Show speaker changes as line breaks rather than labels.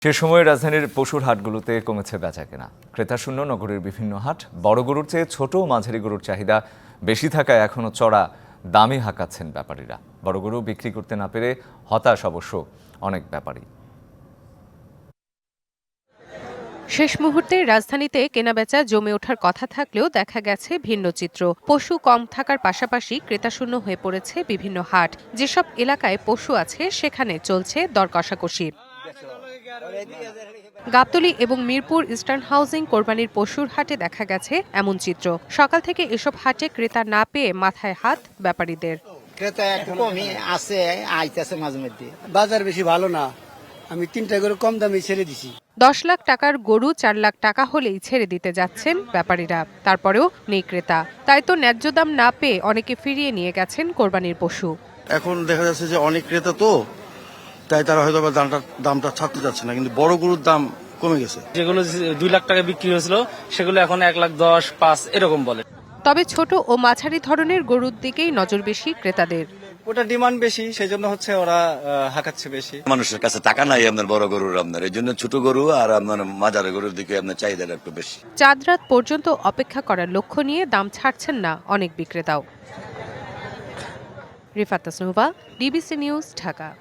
সে সময় রাজধানীর পশুর হাটগুলোতে কমেছে বেচাকেনা। ক্রেতাশূন্য নগরের বিভিন্ন হাট। বড় গরুর চেয়ে ছোট ও মাঝারি গরুর চাহিদা বেশি থাকায় এখনও চড়া দামে হাঁকাচ্ছেন ব্যাপারীরা। বড় গরু বিক্রি করতে না পেরে হতাশ অবশ্য অনেক ব্যাপারী।
শেষ মুহূর্তে রাজধানীতে কেনাবেচা জমে ওঠার কথা থাকলেও দেখা গেছে ভিন্ন চিত্র। পশু কম থাকার পাশাপাশি ক্রেতাশূন্য হয়ে পড়েছে বিভিন্ন হাট। যেসব এলাকায় পশু আছে সেখানে চলছে দর কষাকষি। গাবতলী এবং মিরপুর ইস্টার্ন হাউজিং কোরবানির পশুর হাটে দেখা গেছে এমন চিত্র। সকাল থেকে এসব হাটে ক্রেতা না পেয়ে মাথায় হাত ব্যাপারীদের।
ক্রেতা একটু কমই আছে, আইতেছে মাঝে মধ্যে।
বাজার বেশি ভালো না, আমি 3টা করে কম দামে ছেড়ে দিছি।
10 লাখ টাকার গরু 4 লাখ টাকা হলেই ছেড়ে দিতে যাচ্ছেন ব্যাপারীরা। তারপরেও নেই ক্রেতা। তাই তো ন্যায্য দাম না পেয়ে অনেকে ফিরিয়ে নিয়ে গেছেন কোরবানির পশু।
এখন দেখা যাচ্ছে যে অনেক ক্রেতা তো, তাই তারা হয়তো দামটা ছাড়তে যাচ্ছে না, কিন্তু বড় গরুর দাম কমে গেছে।
যেগুলো 2 লাখ টাকা বিক্রি হয়েছিল সেগুলো এখন 1,10,000, 5 এরকম বলে।
তবে ছোট ও মাঝারি ধরনের গরুর দিকেই নজর বেশি ক্রেতাদের।
ওটা ডিমান্ড বেশি, সেই জন্য হচ্ছে ওরা হাঁকাচ্ছে বেশি।
মানুষের কাছে টাকা নাই আপনার বড় গরুর, আপনার এই জন্য ছোট গরু আর আপনার মাঝারি গরুর দিকে আপনার চাহিদাটা একটু বেশি।
চাঁদ রাত পর্যন্ত অপেক্ষা করার লক্ষ্য নিয়ে দাম ছাড়ছেন না অনেক বিক্রেতাও। Rifat Tasnuva, DBC news, Dhaka.